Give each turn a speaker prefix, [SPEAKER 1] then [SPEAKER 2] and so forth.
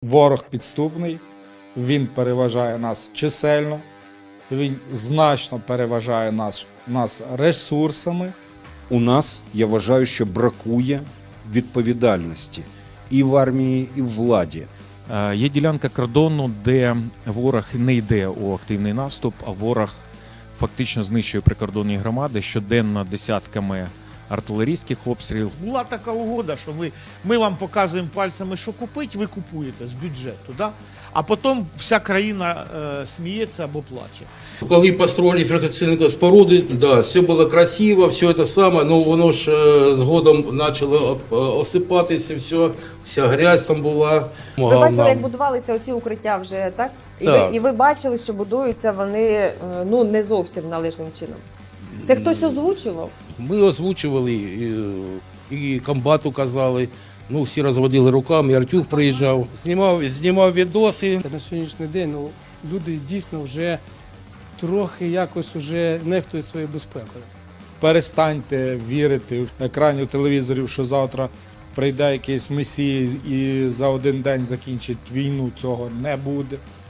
[SPEAKER 1] Ворог підступний, він переважає нас чисельно, він значно переважає нас ресурсами.
[SPEAKER 2] У нас, я вважаю, що бракує відповідальності і в армії, і в владі.
[SPEAKER 3] Є ділянка кордону, де ворог не йде у активний наступ, а ворог фактично знищує прикордонні громади щоденно десятками артилерійських обстрілів.
[SPEAKER 4] Була така угода, що ми вам показуємо пальцями, що купити, ви купуєте з бюджету, да? А потім вся країна сміється або плаче.
[SPEAKER 5] Коли построили фортифікаційні споруди, да, все було красиво, все це саме, но воно ж згодом почало осипатися, вся грязь там була.
[SPEAKER 6] Ви бачили, як будувалися оці укриття вже, так?
[SPEAKER 5] Так.
[SPEAKER 6] І ви бачили, що будуються вони не зовсім належним чином. Це хтось озвучував?
[SPEAKER 5] Ми озвучували, і комбату казали, ну всі розводили руками, і Артюх приїжджав, знімав відоси.
[SPEAKER 7] На сьогоднішній день люди дійсно вже трохи якось уже нехтують своєю безпекою.
[SPEAKER 1] Перестаньте вірити в екранів телевізорів, що завтра прийде якийсь месія і за один день закінчить війну. Цього не буде.